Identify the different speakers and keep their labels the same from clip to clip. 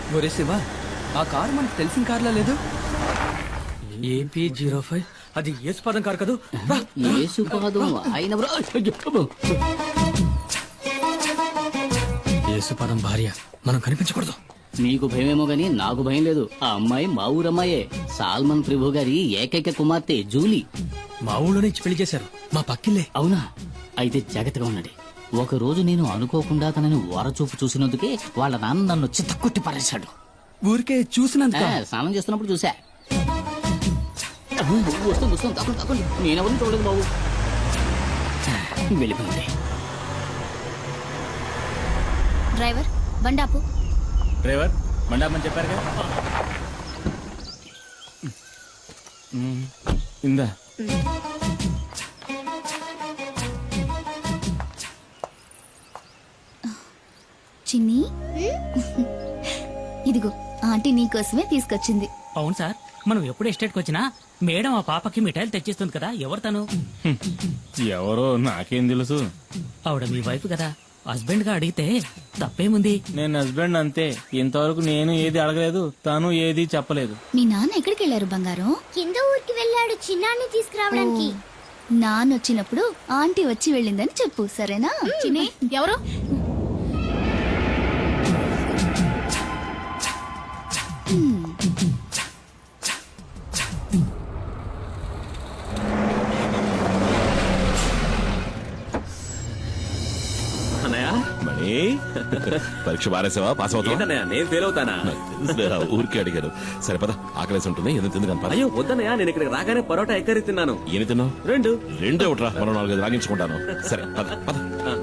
Speaker 1: ఒరే శివ, ఆ కారు మనకు తెలిసిన కార్లా లేదు.
Speaker 2: AP05 అది యేసుపాదం కారు కదూ.
Speaker 3: యేసుపాదం ఆయన
Speaker 2: యేసుపాదం భార్య, మనం కనిపించకూడదు.
Speaker 3: మీకు భయమేమో గాని నాకు భయం లేదు. ఆ అమ్మాయి మా ఊరమ్మాయే, సాల్మన్ ప్రభు గారి ఏకైక కుమార్తె జూలీ.
Speaker 2: మా ఊళ్ళోనే ఇచ్చి పెళ్లి చేశారు, మా పక్కిల్లే.
Speaker 3: అవునా? అయితే జాగ్రత్తగా ఉండండి. ఒక రోజు నేను అనుకోకుండా తనని ఓరచూపు చూసినందుకే వాళ్ళ నాన్న నన్ను చిత్తకొట్టి పడేశాడు.
Speaker 1: ఊరికే చూసినందుక?
Speaker 3: స్నానం చేస్తున్నప్పుడు చూసా. వస్తుంది వస్తుంది, తప్పండి తప్పండి. నేనెవరిని చూడలేదు బాబు. వెళ్ళిపోయింది.
Speaker 4: డ్రైవర్ బండాపు.
Speaker 5: డ్రైవర్ మండాపని చెప్పారుగా. ఇందా
Speaker 4: చిన్ని, ఇదిగో ఆంటీ నీకోసమే తీసుకొచ్చింది.
Speaker 6: అవును సార్, మనం ఎప్పుడు ఎస్టేట్కి వచ్చినా మేడం ఆ పాపకి మిఠాయిలు తెచ్చిస్తుంది కదా. ఎవరు తను?
Speaker 5: ఎవరో నాకేం తెలుసు.
Speaker 6: ఆవిడ మీ వైఫ్ కదా. హస్బెండ్ గా అడిగితే తప్పేముంది?
Speaker 5: నేను హస్బెండ్ అంతే. ఇంతవరకు నేను ఏది అడగలేదు, తను ఏది చెప్పలేదు.
Speaker 4: మీ నాన్న ఎక్కడికి వెళ్ళారు బంగారం?
Speaker 7: కింద ఊరికి వెళ్ళాడు చిన్నాన్ని తీసుకురావడానికి.
Speaker 4: నాన్న వచ్చినప్పుడు ఆంటీ వచ్చి వెళ్ళిందని చెప్పు, సరేనా? చిన్ని, ఎవరు?
Speaker 8: మణి, పరీక్ష బారేసావా? పాస్ అవుతావా?
Speaker 9: నేను ఫెయిల్ అవుతానా?
Speaker 8: ఊరికి అడిగారు. సరే పద, ఆకలేసి ఉంటుంది. ఎందుకు తిందుకు?
Speaker 9: అయ్యో వద్దనయ్యా, నేను ఇక్కడ రాగానే పరోటా ఎక్కరి తిన్నాను.
Speaker 8: ఏమి తిన్నావు? రెండు ఒకట్రా, మనం 4-5 రాగించుకుంటాను. సరే పద పద.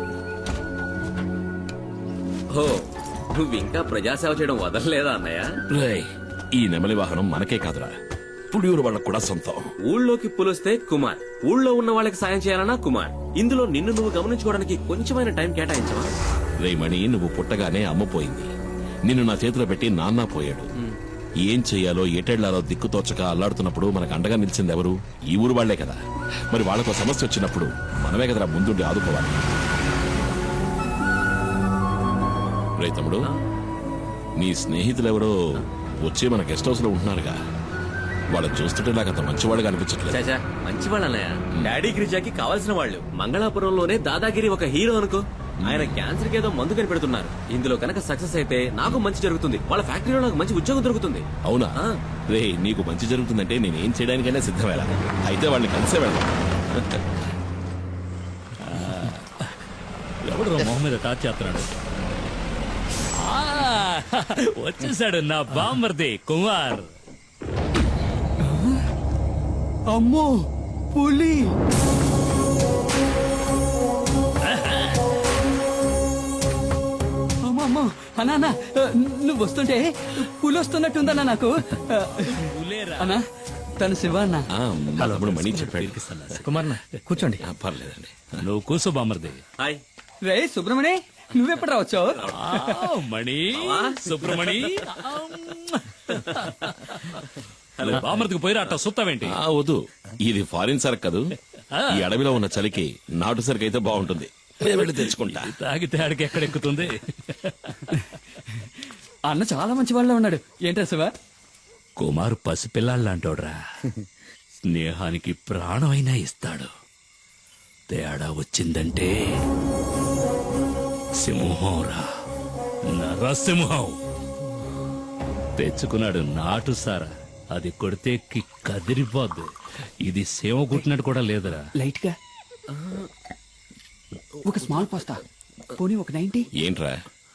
Speaker 9: ఓ, నువ్వు ఇంకా ప్రజాసేవ చేయడం వదలలేదా అన్నయ్య?
Speaker 8: రేయ్, ఈ నెమలి వాహనం మనకే కాదురా, పుడియూరు వాళ్ళకు కూడా సొంతం.
Speaker 9: ఊళ్ళోకి పులిస్తే కుమార్, ఊళ్ళో ఉన్న వాళ్ళకి సాయం చేయాలన్నా కుమార్. ఇందులో నిన్ను నువ్వు గమనించుకోవడానికి కొంచెమైన టైం కేటాయించవా?
Speaker 8: రే మణి, నువ్వు పుట్టగానే అమ్మ పోయింది. నిన్ను నా చేతిలో పెట్టి నాన్న పోయాడు. ఏం చెయ్యాలో ఎటెళ్లాలో దిక్కుతోచక అల్లాడుతున్నప్పుడు మనకు అండగా నిలిచింది ఎవరు? ఈ ఊరు వాళ్లే కదా. మరి వాళ్ళకు సమస్య వచ్చినప్పుడు మనమే కదరా ముందుండి ఆదుకోవాలి. రే తమ్ముడు, నీ స్నేహితులెవరో వచ్చి మన గెస్ట్ హౌస్ లో ఉంటున్నారుగా. వాళ్ళని చూస్తుంటే నాకు అంత మంచివాళ్ళుగా అనిపించట్లేదు.
Speaker 9: చాచా, మంచివాళ్ళు అన్నయ్య. డాడీ గిరిజాకి కావాల్సిన వాళ్ళు. మంగళాపురంలోనే దాదాగిరి ఒక హీరో అనుకో. ఆయన క్యాన్సర్ కి ఏదో మందు కనిపెడుతున్నారు. ఇందులో కనుక సక్సెస్ అయితే నాకు మంచి జరుగుతుంది, వాళ్ళ ఫ్యాక్టరీలో నాకు మంచి ఉద్యోగం దొరుకుతుంది.
Speaker 8: అవునా? రే, నీకు మంచి జరుగుతుందంటే నేనేం చేయడానికైనా సిద్ధమేలా. అయితే వాళ్ళని కలిసే వెళ్దాం.
Speaker 6: ఎవడు మొహం మీద టార్చ్ చేస్తున్నాడు? వచ్చేసాడు నా బామ్మర్ది కుమార్.
Speaker 1: అమ్మో, పులి! అమ్మో అన్నా, నువ్వు వస్తుంటే పులి వస్తున్నట్టుందన్నా నాకు. అన్నా, తను శివ అన్న.
Speaker 8: తమ్ముడు మణి చెప్పాడు.
Speaker 2: కుమార్ కూర్చోండి.
Speaker 8: పర్లేదండి.
Speaker 6: నువ్వు కూర్చో బామ్మర్ది.
Speaker 9: హాయ్.
Speaker 1: రే సుబ్రమణి, నువ్వెప్పుడు రావచ్చావు?
Speaker 6: మణి, సుబ్రమణి. బామ్మర్దికి పోయిరా, అట్ట సుత్తావేంటి?
Speaker 8: వద్దు, ఇది ఫారిన్ సరుకు కదూ. ఈ అడవిలో ఉన్న చలికి నాటు సరుకు అయితే బాగుంటుంది. వెళ్ళి తెచ్చుకుంటా.
Speaker 6: తాగితే ఆడికి ఎక్కడెక్కుతుంది?
Speaker 1: అన్న చాలా మంచి వాళ్ళ ఉన్నాడు. ఏంటా శివ?
Speaker 6: కుమార్ పసిపిల్లాళ్ళంటోడ్రా. స్నేహానికి ప్రాణమైనా ఇస్తాడు. తేడా వచ్చిందంటే సింహంరా, నరసింహం. తెచ్చుకున్నాడు నాటు సారా. అది కొడితే కదిరిపోద్దు. ఇది సేవ కుట్టినట్టు కూడా లేదురా.
Speaker 1: లైట్ గా ఒక స్మాల్ పాస్తా, పోనీ ఒక 90.
Speaker 8: ఏంట్రా?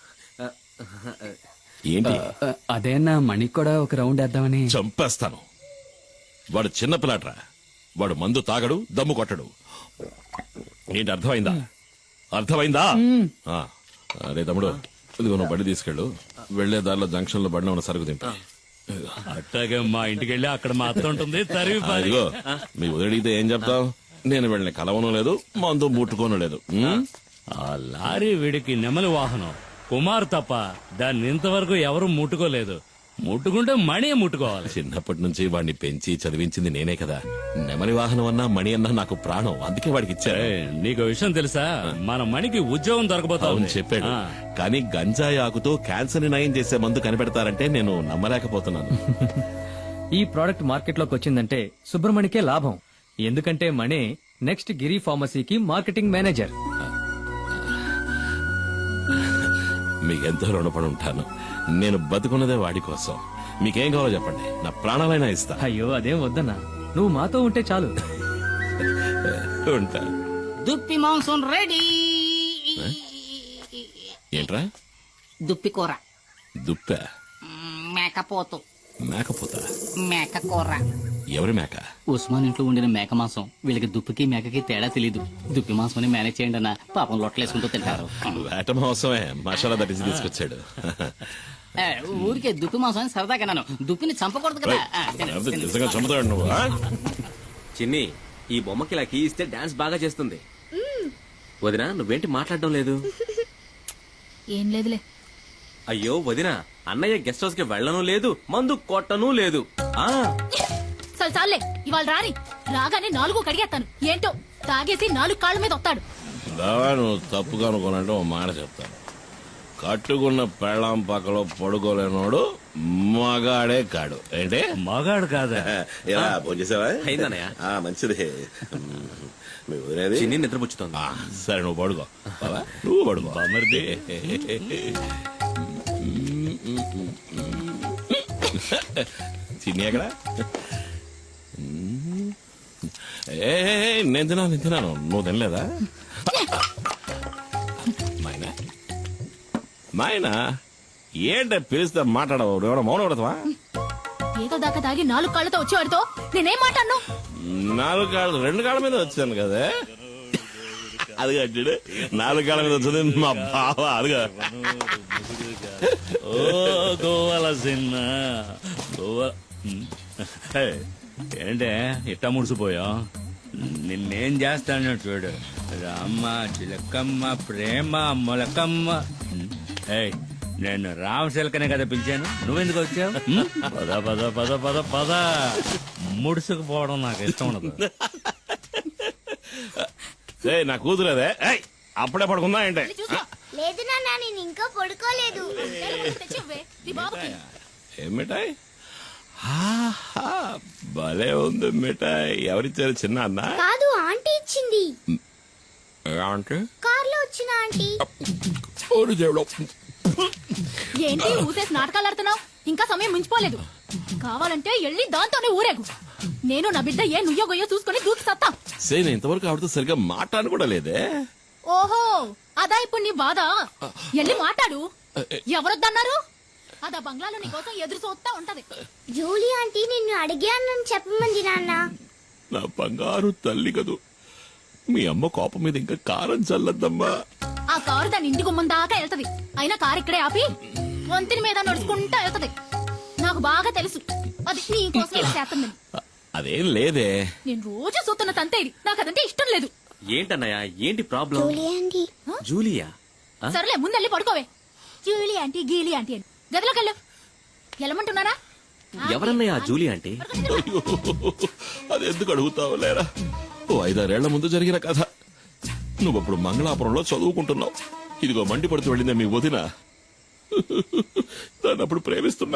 Speaker 8: ఏంటి?
Speaker 1: అదేనా మణికి కూడా ఒక రౌండ్ వేద్దామని.
Speaker 8: చంపేస్తాను. వాడు చిన్న పిల్లాడ్రా. వాడు మందు తాగడు, దమ్ము కొట్టడు. ఏంటి, అర్థమైందా? అర్థమైందా? అరే తమ్ముడు, ఇదిగో నువ్వు బండి తీసుకెళ్ళు. వెళ్లే దారిలో జంక్షన్ లో బండి ఉన్న సరుకు తింటా.
Speaker 6: అట్టాగే మా ఇంటికి వెళ్ళి అక్కడ మా అత్త ఉంటుంది.
Speaker 8: ఇదిగో, మీ వదిలిడితే ఏం చెప్తావు? నేను వెళ్ళిన కలవను లేదు, మందు ముట్టుకోను లేదు.
Speaker 6: ఆ లారీ వీడికి నెమలి వాహనం. కుమార్ తప్ప దాన్ని ఇంతవరకు ఎవరు ముట్టుకోలేదు. ముట్టుకుంటే మణి ముట్టుకోవాలి.
Speaker 8: చిన్నప్పటి నుంచి వాడిని పెంచి చదివించింది నేనే కదా. నెమలి వాహనం అన్నా మణి అన్నా నాకు ప్రాణం, అందుకే వాడికి ఇచ్చా.
Speaker 6: ఏయ్, నీకు విషయం తెలుసా? మన మణికి ఉద్యోగం దొరకబోతా
Speaker 8: అవును
Speaker 6: ఉంది.
Speaker 8: చెప్పాడు.
Speaker 6: ఆ.
Speaker 8: కానీ గంజాయి ఆకుతో క్యాన్సర్ ని నయం చేసే మందు కనిపెడతారంటే నేను నమ్మలేకపోతున్నాను.
Speaker 2: ఈ ప్రోడక్ట్ మార్కెట్ లోకి వచ్చిందంటే సుబ్రమణికే లాభం. ఎందుకంటే మణి నెక్స్ట్ గిరి ఫార్మసీకి మార్కెటింగ్ మేనేజర్.
Speaker 8: మీకెంతో రుణపడి ఉంటాను. నేను బతుకున్నదే వాడి కోసం. మీకేం కావాలో చెప్పండి, నా ప్రాణాలైనా ఇస్తా.
Speaker 2: అయ్యో అదేం వద్దన్నా, నువ్వు మాతో ఉంటే చాలు.
Speaker 8: ఉంటా.
Speaker 3: దుప్పి మాంసం రెడీ.
Speaker 8: ఏంట్రా?
Speaker 3: దుప్పి కూర.
Speaker 8: దుప్ప?
Speaker 3: మేకపోతు.
Speaker 8: మేకపోతా?
Speaker 3: మేక కూర.
Speaker 8: ఎవరి మేక?
Speaker 3: ఉస్మాన్ ఇంట్లో ఉండిన మేక మాంసం. వీళ్ళకి దుప్పికి మేకకి తేడా తెలీదు. దుప్పి మాంసం అని మేనేజ్ చేయండి అన్న, పాపం లొట్టలేసుకుంటూ తింటారు.
Speaker 8: వేట మోసమే మసాలా దట్టించి తీసుకొచ్చాడు.
Speaker 3: ఏ, ఊరికే దుప్పి మాంసం అని సరదాగా నన్ను దుప్పిని చంపకూడదు కదా. ఆ, తినండి,
Speaker 8: లేకపోతే
Speaker 3: తినండి.
Speaker 8: నిజంగా చంపుతాడు నువ్వు. ఆ?
Speaker 9: చిన్ని, ఈ బొమ్మకి ఇలా కీ ఇస్తే డాన్స్ బాగా చేస్తుంది. వదినా, నువ్వేంటి మాట్లాడడం లేదు?
Speaker 4: ఏం లేదులే.
Speaker 9: అయ్యో వదినా, అన్నయ్య గెస్ట్ హౌస్ కి వెళ్ళను లేదు, మందు కొట్టను లేదు. ఆ
Speaker 10: చాలే, ఇవాళ రాని రాగానే 4 కడిగేస్తాను. ఏంటో తాగేసి 4 కాళ్ళ మీద వస్తాడు.
Speaker 8: బావా, నువ్వు తప్పుగా అనుకోనంటే ఓ మాట చెప్తాను. కట్టుకున్న పెళ్ళాం పక్కలో పడుకోలేనోడు మగాడే కాడు. ఏంటి?
Speaker 6: మగాడు కాదా?
Speaker 8: ఎలా భోంచేసావా?
Speaker 9: అయిందన్నయ్య.
Speaker 8: మంచిది. మీ వదిలేది?
Speaker 9: చిన్ని నిద్రపుచ్చుతోంది.
Speaker 8: సరే నువ్వు పడుకో. బావా నువ్వు పడుకో.
Speaker 6: బామర్ది.
Speaker 8: చిన్ని ఎక్కడ? ఏ నేను తిన్నాను. నువ్వు తినలేదా? మైనా మైనా ఏంట పిలిస్తే మాట్లాడవు? ఎవడో మౌనం పడతావా?
Speaker 10: ఏదో దాకా తాగి 4 కాళ్ళతో వచ్చేవాడితో నేనేం మాట్లాడను.
Speaker 8: 4 కాళ్ళు 2 కాళ్ళ మీద వచ్చాను కదా. అది కట్టాడు 4 కాళ్ళ మీద వచ్చింది మా బావ. అదిగా
Speaker 6: ఓ గోవాల సిన్న గోవా. ఏయ్, ఏంటే ఇట్టా ముడిసిపోయా? నిన్నేం చేస్తాను చూడు. రామ్మ చిలకమ్మ ప్రేమ మొలకమ్మ. ఏయ్, నేను రామశిలకనే కదా పిలిచాను, నువ్వెందుకు వచ్చావు? పద పద పద పద పద. ముడుసుకుపోవడం నాకు ఇష్టం ఉండదు.
Speaker 8: నా కూతురేదే. అప్పుడే పడుకుందా ఏంటే?
Speaker 7: లేదు నాన్న, నేను ఇంకా పడుకోలేదు.
Speaker 10: తెచ్చివ్వే నీ బాబుకి.
Speaker 8: ఏం మిఠాయి? భలే ఉంది మిఠాయి. ఎవరిచ్చారు? చిన్న అన్న?
Speaker 7: కాదు, ఆంటీ ఇచ్చింది.
Speaker 8: అంటే
Speaker 7: కార్లో వచ్చిన ఆంటీ.
Speaker 10: ఏంటి ఊసేసి నాటకాలు ఆడుతున్నావు? ఇంకా సమయం మించిపోలేదు. కావాలంటే వెళ్ళి దాంతోనే ఊరేగు. నేను నా బిడ్డ ఏ నుయ్యో గొయ్యో చూసుకుని దూకి సత్తా.
Speaker 8: నేను ఇంతవరకు ఆవిడతో సరిగ్గా మాట్లాడను కూడా లేదే.
Speaker 10: ఓహో, అదా ఇప్పుడు నీ బాధ? వెళ్ళి మాట్లాడు. ఎవరొద్దన్నారు? అదా బంగ్లాలో నీ కోసం ఎదురు చూస్తా ఉంటది.
Speaker 7: జూలీ ఆంటీ నిన్ను అడిగానని చెప్పమంది నాన్న.
Speaker 8: నా బంగారు తల్లి కదూ. మీ అమ్మ కోపం మీద ఇంకా కారం చల్లద్దమ్మా.
Speaker 10: ఆ కారు దాని ఇంటి గుమ్మం దాకా వెళ్తది. అయినా కారు ఇక్కడే ఆపి వంతిని మీద నడుచుకుంటా వెళ్తది. నాకు బాగా తెలుసు అది నీ కోసం ఇలా చేస్తుందని.
Speaker 8: అదేం లేదే.
Speaker 10: నేను రోజు చూస్తున్న తంతే ఇది. నాకు అదంటే ఇష్టం లేదు.
Speaker 9: ఏంటన్నయ్య, ఏంటి ప్రాబ్లం?
Speaker 7: Julie aunty.
Speaker 9: జూలియా?
Speaker 10: సరేలే, ముందెళ్ళి పడుకోవే. జూలీ ఆంటీ గీలీ ఆంటీ అని గదిలోకి వెళ్ళు. వెళ్ళమంటున్నారా?
Speaker 9: ఎవరన్నయ్య జూలి అంటే?
Speaker 8: అయ్యో, అది ఎందుకు అడుగుతావు లేరా? ఓ 5-6 ఏళ్ల ముందు జరిగిన కథ. నువ్వప్పుడు మంగళాపురంలో చదువుకుంటున్నావు. ఇదిగో మండిపడుతూ వెళ్ళిందే మీ వదిన. దాన్ని అప్పుడు ప్రేమిస్తున్నా.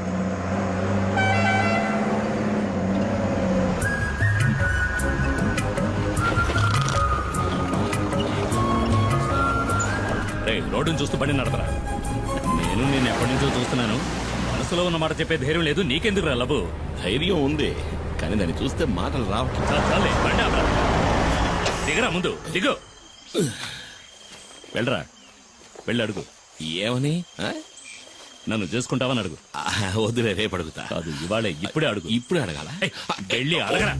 Speaker 6: రోడ్డును చూస్తూ బండి నడపరా. నేను ఎప్పటి నుంచో చూస్తున్నాను. మనసులో ఉన్న మాట చెప్పే ధైర్యం లేదు. నీకెందుకు రా లబు?
Speaker 8: ధైర్యం ఉంది, కానీ దాన్ని చూస్తే మాటలు రావట్లేదు.
Speaker 6: చాలే, బండి ఆపరా. దిగరా, ముందు దిగు. వెళ్ళరా, వెళ్ళి అడుగు.
Speaker 8: ఏమని?
Speaker 6: నన్ను చేసుకుంటావని అడుగు.
Speaker 8: వద్దులే, రేపు అడుగుతా.
Speaker 6: కాదు, ఇవాళే, ఇప్పుడే అడుగు.
Speaker 8: ఇప్పుడే అడగాల?
Speaker 6: వెళ్ళి అడగరా.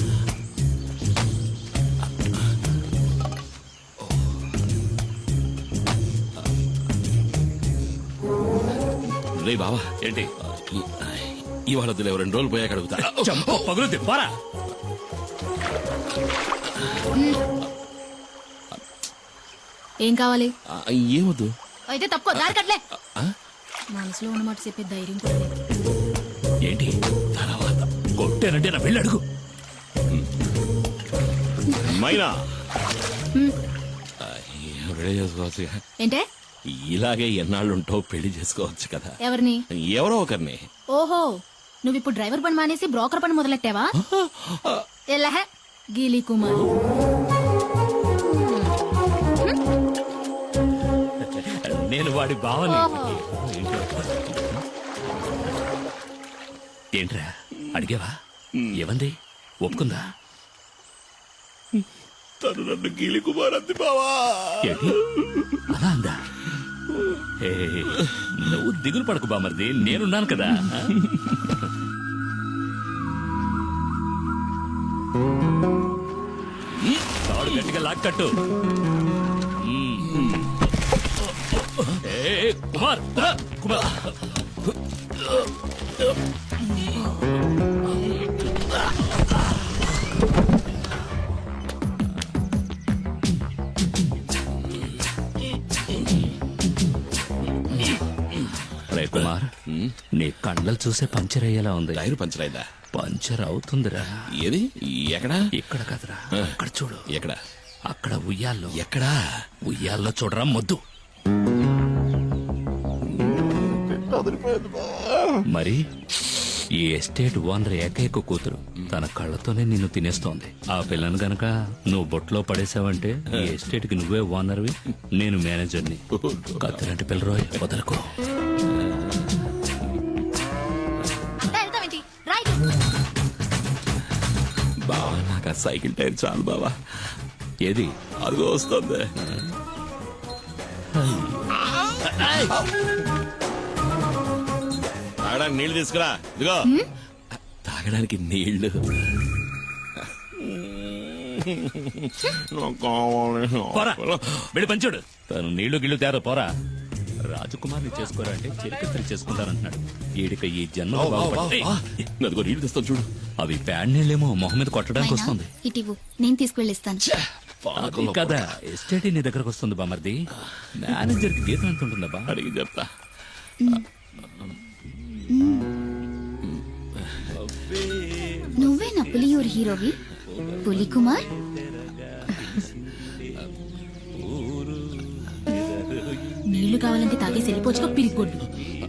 Speaker 8: రే బావా,
Speaker 6: ఏంటి?
Speaker 8: ఇవాళ వద్దులే, 2 రోజులు పోయాక అడుగుతా.
Speaker 6: పగులుద్ది, పోరా.
Speaker 10: ఏం కావాలి?
Speaker 8: ఏమొద్దు.
Speaker 10: అయితే తప్పుకో, దారి కట్లే. మనసులో ఉన్నమాట చెప్పే ధైర్యం కూడా లేదు.
Speaker 6: ఏంటి తర్వాత కొట్టానంటే నా వెళ్ళి అడుగు.
Speaker 8: మైనా పెళ్లి చేసుకోవచ్చు
Speaker 10: ఏంటే
Speaker 8: ఇలాగే ఎన్నాళ్ళుంటో పెళ్లి చేసుకోవచ్చు కదా.
Speaker 10: ఎవరిని?
Speaker 8: ఎవరో ఒకరిని.
Speaker 10: ఓహో, నువ్వు ఇప్పుడు డ్రైవర్ పని మానేసి బ్రోకర్ పని మొదలెట్టావా? ఎలహ గీలీ కుమార్.
Speaker 6: నేను వాడి బావని.
Speaker 10: ఓహో.
Speaker 6: ఏంట్రా అడిగావా? ఏమంది? ఒప్పుకుందా?
Speaker 8: తను నన్ను గీలి కుమార్ అంది బావా.
Speaker 6: ఏంటి అలా అందా? ఏ, నువ్వు దిగులు పడకు బామర్ది, నేనున్నాను కదా. తాడు గట్టిగా లాక్కట్టు. ఏ, కుమార్ కుమార్ రే కుమార్, నీ కండలు చూసే పంచర్ అయ్యేలా ఉంది.
Speaker 8: టైర్ పంచర్ అయిందా?
Speaker 6: పంచర్ అవుతుందిరా.
Speaker 8: ఏది? ఎక్కడా?
Speaker 6: ఇక్కడ కదరా, అక్కడ చూడు.
Speaker 8: ఎక్కడ?
Speaker 6: అక్కడ ఉయ్యాల్లో.
Speaker 8: ఎక్కడా?
Speaker 6: ఉయ్యాల్లో చూడరా మొద్దు. మరి ఈ ఎస్టేట్ ఓనర్ ఏకైక కూతురు తన కళ్ళతోనే నిన్ను తినేస్తోంది. ఆ పిల్లను గనక నువ్వు బొట్లో పడేసావంటే ఈ ఎస్టేట్ కి నువ్వే ఓనర్వి, నేను మేనేజర్ని. కత్తిలాంటి పిల్లరోయ్, వదలకు.
Speaker 10: వెళ్తావేంటి? రైట్.
Speaker 8: బావా నాకు ఆ సైకిల్ టైర్ చాలు బావా.
Speaker 6: ఏది?
Speaker 8: అదిగో వస్తుంది. తాగడానికి నీళ్లు తీసుకురా. ఇదిగో తాగడానికి నీళ్లు.
Speaker 6: పోరా, వెళ్ళి పంచుడు. తను నీళ్లు గిళ్ళు తేరా, పోరా. రాజకుమార్ని చేసుకోరా అంటే చిరకత్తరి చేసుకుంటానంటున్నాడు. ఈడిక ఈ జన్మ
Speaker 8: అదిగో నీళ్లు తెస్తాను చూడు.
Speaker 6: అవి ప్యాడ్ నీళ్ళేమో మొహం మీద కొట్టడానికి వస్తుంది.
Speaker 4: ఇటివు, నేను తీసుకువెళ్ళిస్తాను.
Speaker 6: అది కదా ఎస్టేట్ నీ దగ్గరకు వస్తుంది బామర్ది. మేనేజర్ కి జీతం ఎంత ఉంటుందా బా?
Speaker 8: అడిగి చెప్తా.
Speaker 4: నువ్వే నా పులియూరు హీరోవి, పులి కుమార్.
Speaker 10: నీళ్లు కావాలంటే తాగేసి వెళ్ళిపోవచ్చుగా పిరిగొడ్డు.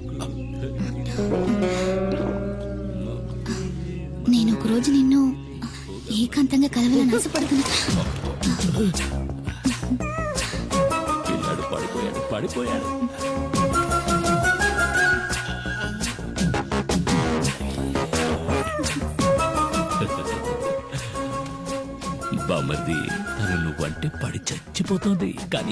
Speaker 4: నేను ఒక రోజు నిన్ను ఏకాంతంగా కలవాలని ఆశపడుతున్నా.
Speaker 6: పిల్లాడు పడిపోయాడు, పడిపోయాడు. బామర్ది, తను నువ్వంటే పడి చచ్చిపోతుంది కానీ